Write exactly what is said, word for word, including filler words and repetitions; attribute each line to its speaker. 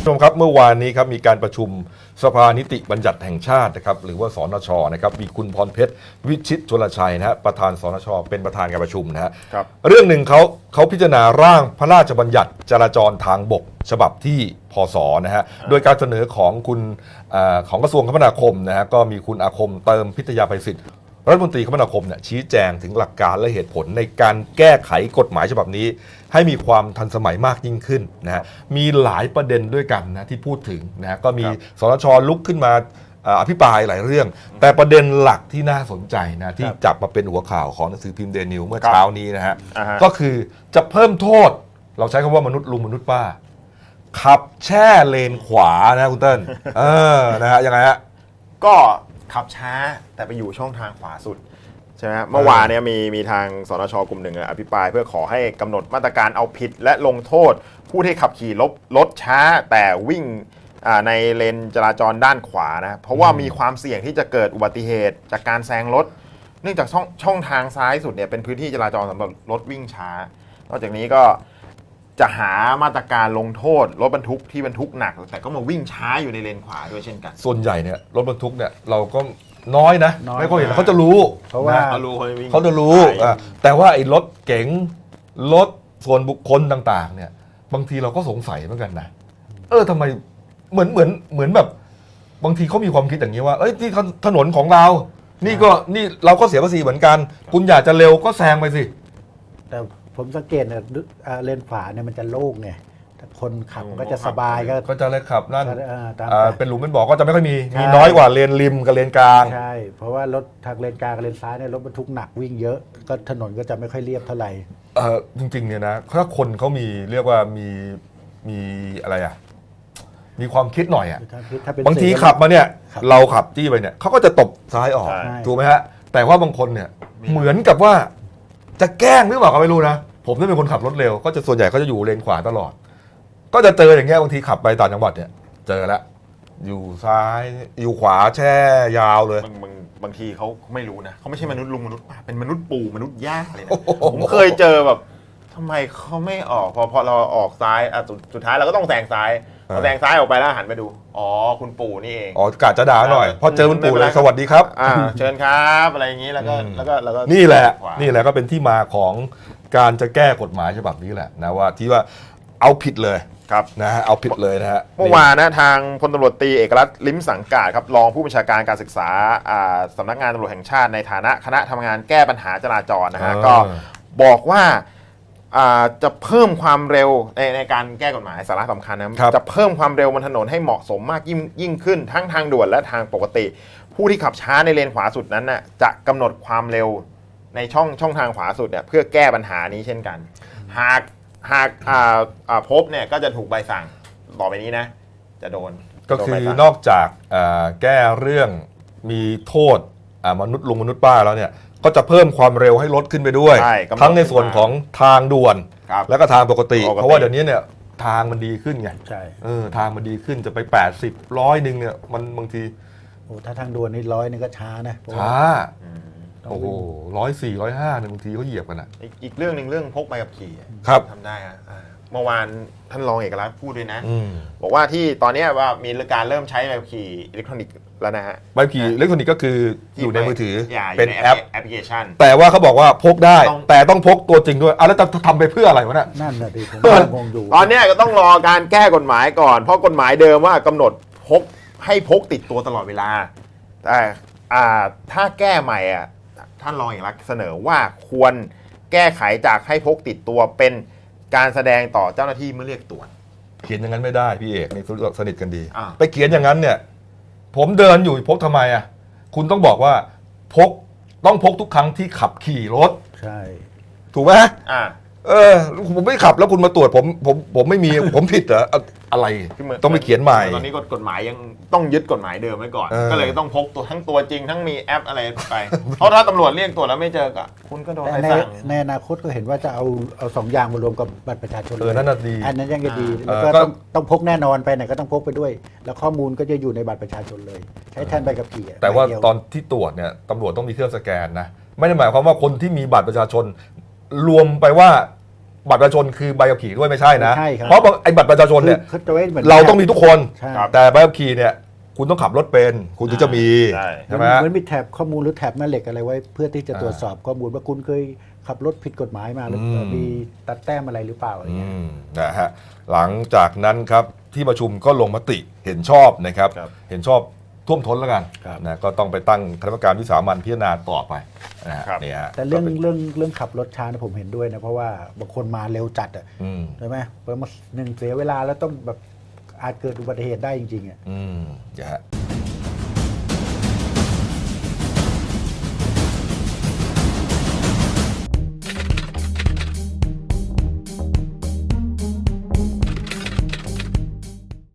Speaker 1: ชมครับเมื่อวานนี้ครับมีการประชุมสภานิติบัญญัติแห่งชาตินะครับหรือว่าสนชนะครับมีคุณพรเพชรวิชิตชลชัยนะฮะประธานสนชเป็นประธานการประชุมนะฮะเรื่องหนึ่งเขาเขาพิจารณาร่างพระราชบัญญัติจราจรทางบกฉบับที่พศนะฮะโดยการเสนอของคุณของกระทรวงคมนาคมนะฮะก็มีคุณอาคมเติมพิทยาภัยศิษย์รัฐมนตรีคมนาคมเนี่ยชี้แจงถึงหลักการและเหตุผลในการแก้ไขกฎหมายฉบับนี้ให้มีความทันสมัยมากยิ่งขึ้นนะฮะมีหลายประเด็นด้วยกันนะที่พูดถึงนะฮะก็มีสนชลุกขึ้นมาอภิปรายหลายเรื่องแต่ประเด็นหลักที่น่าสนใจนะที่จับมาเป็นหัวข่าวของหนังสือพิมพ์เดนิวเมื่อเช้านี้นะฮะก็คือจะเพิ่มโทษเราใช้คำว่ามนุษย์ลุงมนุษย์ป้าขับแช่เลนขวานะคุณเติ้ลเออนะฮะยังไงฮะ
Speaker 2: ก็ขับช้าแต่ไปอยู่ช่องทางขวาสุดใช่ไหมเมื่อวานเนี่ยมีมีทางสนชกลุ่มหนึ่งอภิปรายเพื่อขอให้กำหนดมาตรการเอาผิดและลงโทษผู้ที่ขับขี่รถรถช้าแต่วิ่งในเลนจราจรด้านขวานะเพราะว่ามีความเสี่ยงที่จะเกิดอุบัติเหตุจากการแซงรถเนื่องจากช่องช่องทางซ้ายสุดเนี่ยเป็นพื้นที่จราจรสำหรับรถวิ่งช้านอกจากนี้ก็จะหามาตรการลงโทษรถบรรทุกที่บรรทุกหนักแต่ก็มาวิ่งช้าอยู่ในเลนขวาด้วยเช่นกัน
Speaker 1: ส่วนใหญ่เนี่ยรถบรรทุกเนี่ยเราก็น้อยนะไม่ค่อยเห็นเขาจะรู้
Speaker 2: เพราะว่าเขารู้
Speaker 1: เขาจะรู้แต่ว่าไอ้รถเก๋งรถส่วนบุคคลต่างๆเนี่ยบางทีเราก็สงสัยเหมือนกันนะเออทำไมเหมือนเหมือนเหมือนแบบบางทีเขามีความคิดอย่างนี้ว่าเอ้ยที่ถนนของเรานี่ก็นี่เราก็เสียภาษีเหมือนกันคุณอยากจะเร็วก็แซงไปสิ
Speaker 3: แต่ผมสังเกตเนี่ยเลนขวาเนี่ยมันจะโล่งไงคนขับก็จะสบายก็
Speaker 1: ก็จะเลยขับนั่นเป็นหลุมเป็นบ่อก็จะไม่ค่อยมีมีน้อยกว่าเลนริมกับเลนกลาง
Speaker 3: ใช่เพราะว่ารถทางเลนกลางกับเลนซ้ายเนี่ยรถบรรทุกหนักวิ่งเยอะก็ถนนก็จะไม่ค่อยเรียบเท่าไหร่
Speaker 1: เออจริงๆเนี่ยนะถ้าคนเขามีเรียกว่ามีมีอะไรอ่ะมีความคิดหน่อยอ่ะบางทีขับมาเนี่ยเราขับจี้ไปเนี่ยเขาก็จะตบซ้ายออกถูกไหมฮะแต่ว่าบางคนเนี่ยเหมือนกับว่าจะแกล้งหรือเปล่าก็ไม่รู้นะผมถ้าเป็นคนขับรถเร็วก็จะส่วนใหญ่ก็จะอยู่เลนขวาตลอดก็จะเจออย่างเงี้ยบางทีขับไปต่างจังหวัดเนี่ยเจอแล้วอยู่ซ้ายอยู่ขวาแช่ยาวเลย
Speaker 2: บางบางบางทีเขาไม่รู้นะเขาไม่ใช่มนุษย์ลุงมนุษย์ป้าเป็นมนุษย์ปู่มนุษย์ย่าเลยนะผมเคยเจอแบบทำไมเขาไม่ออกพอพอเราออกซ้ายอ่ะสุดท้ายเราก็ต้องแซงซ้ายพอแซงซ้ายออกไปแล้วหันไปดูอ๋อคุณปู่นี่เอง
Speaker 1: อ๋อกะจะด่าหน่อยพอเจอคุณปู่เลยสวัสดีครับ
Speaker 2: อ่าเชิญครับอะไรอย่างนี้แล้วก็แล้วก็แล้วก็
Speaker 1: นี่แหละนี่แหละก็เป็นที่มาของการจะแก้กฎหมายฉบับนี้แหละนะว่าที่ว่าเอาผิดเลย
Speaker 2: ครับ
Speaker 1: นะฮะเอาผิดเลยนะฮะ
Speaker 2: เมื่อวานนะทางพลตำรวจตรีเอกลักษณ์ลิ้มสังกาจครับรองผู้บัญชาการการศึกษาสำนักงานตำรวจแห่งชาติในฐานะคณะทำงานแก้ปัญหาจราจรนะฮะก็บอกว่าจะเพิ่มความเร็วในในการแก้กฎหมายสาระสำคัญนะจะเพิ่มความเร็วบนถนนให้เหมาะสมมากยิ่งยิ่งขึ้นทั้งทางด่วนและทางปกติผู้ที่ขับช้าในเลนขวาสุดนั้นน่ะจะกำหนดความเร็วในช่องช่องทางขวาสุดเนี่ยเพื่อแก้ปัญหานี้เช่นกันหากหากพบเนี่ยก็จะถูกใบสั่งต่อไปนี้นะจะโดน
Speaker 1: ก็คือนอกจากแก้เรื่องมีโทษมนุษย์ลุงมนุษย์ป้าแล้วเนี่ยก็จะเพิ่มความเร็วให้ลดขึ้นไปด้วยทั้งในส่วนของทางด่วนแล้วก็ทางปกติเพราะว่าเดี๋ยวนี้เนี่ยทางมันดีขึ้นไง
Speaker 3: ใช่
Speaker 1: เออทางมันดีขึ้นจะไปแปดสิบร้อยหนึ่งเนี่ยมันบางที
Speaker 3: โอ้ถ้าทางด่วนนี่ร้อยนึงก็ช้านะ
Speaker 1: ช้าโอ้โหร้อยสี่ร้อยห้าเนี่ยบางทีเขาเหยียบกันอ่ะ
Speaker 2: อีกเรื่องหนึ่งเรื่องพกใบขับขี่
Speaker 1: ครับ
Speaker 2: ทำได้อะเมื่อวานท่านรองเอกลักษณ์พูดด้วยนะบอกว่าที่ตอนนี้ว่ามีการเริ่มใช้ใบขับขี่อิเล็กทรอนิกส์แล้วนะฮะ
Speaker 1: ใบขับขี่อิเล็กทรอนิกส์ก็คืออยู่ในมือถือ
Speaker 2: เป็นแอปแอปพลิเคชัน
Speaker 1: แต่ว่าเขาบอกว่าพกได้แต่ต้องพกตัวจริงด้วยอ่ะแล้วจะทำไปเพื่ออะไรวะเนี่ย
Speaker 3: นั่นน่ะดิผมงงอยู่
Speaker 2: ตอนนี้ก็ต้องรอการแก้กฎหมายก่อนเพราะกฎหมายเดิมว่ากำหนดพกให้พกติดตัวตลอดเวลาแต่ถ้าแก้ใหม่อ่ะท่านรองเอกลักษณ์เสนอว่าควรแก้ไขจากให้พกติดตัวเป็นการแสดงต่อเจ้าหน้าที่เมื่อเรียกตรวจ
Speaker 1: เขียนอย่างนั้นไม่ได้พี่เอกนี่สนิทกันดีไปเขียนอย่างนั้นเนี่ยผมเดินอยู่พกทำไมอ่ะคุณต้องบอกว่าพกต้องพกทุกครั้งที่ขับขี่รถ
Speaker 3: ใช่
Speaker 1: ถูกไหมอ่าเออผมไม่ขับแล้วคุณมาตรวจผมผมผมไม่มีผมผิดเหรออะไรต้องไปเขียนใหม่
Speaker 2: ตอนนี้กฎหมายยังต้องยึดกฎหมายเดิมไว้ก่อนก็เลยต้องพกตัวทั้งตัวจริงทั้งมีแอปอะไรไปเพราะถ้าตำรวจเรียกตรวจแล้วไม่เจอก็คุณก็โดนใบสั่ง
Speaker 3: ในอนาคตก็เห็นว่าจะเอาเอาสองอย่างมารวมกับบัตรประชาชน
Speaker 1: เออนั่นน่ะดี
Speaker 3: อันนั้นยังจะดีแล้วก็ต้องต้องพกแน่นอนไปไหนก็ต้องพกไปด้วยแล้วข้อมูลก็จะอยู่ในบัตรประชาชนเลยใช้แทนใบขับขี่
Speaker 1: แต่ว่าตอนที่ตรวจเนี่ยตำรวจต้องมีเครื่องสแกนนะไม่ได้หมายความว่าคนที่มีบัตรประชาชนรวมไปว่าบัตรประชาชนคือใบขับขี่ด้วยไม่ใช่นะ
Speaker 3: ไม่ใช่ครับ
Speaker 1: เพราะไอ้บัตรประชาชนเนี่ย
Speaker 3: คือจะไว้เหมือน
Speaker 1: เราต้องมีทุกคน
Speaker 3: ใช่
Speaker 2: ครับ
Speaker 1: แต่ใบขับขี่เนี่ยคุณต้องขับรถเป็นคุณถึงจะมี
Speaker 2: ใช่
Speaker 1: ใช่ไหม
Speaker 3: เหมือนมีแถบข้อมูลหรือแถบแม่เหล็กอะไรไว้ เพื่อที่จะตรวจสอบข้อมูลว่าคุณเคยขับรถผิดกฎหมายมาหรือ
Speaker 1: อืม
Speaker 3: มีตัดแต้มอะไรหรือเปล่าอะไร
Speaker 1: อื
Speaker 3: เงี้ย
Speaker 1: มนะฮะหลังจากนั้นครับที่ประชุมก็ลงมติเห็นชอบนะครับ
Speaker 2: ครับ
Speaker 1: เห็นชอบท่วมท้นแล้วกัน
Speaker 3: ครับ
Speaker 1: นะก็ต้องไปตั้งคณะกรรมการวิสามัญพิจารณาต่อไปนะฮะ
Speaker 2: ครับ
Speaker 1: นี่ฮะ
Speaker 3: แต่เรื่อง
Speaker 1: ก็ป็น
Speaker 3: เรื่องเรื่องขับรถช้านะผมเห็นด้วยนะเพราะว่าบางคนมาเร็วจัดอ่ะ
Speaker 1: อืม
Speaker 3: ใช่ไหมเพราะมันหนึ่งเสียเวลาแล้วต้องแบบอาจเกิดอุบัติเหตุได้จริงๆอ่ะ
Speaker 1: อืมนะฮะ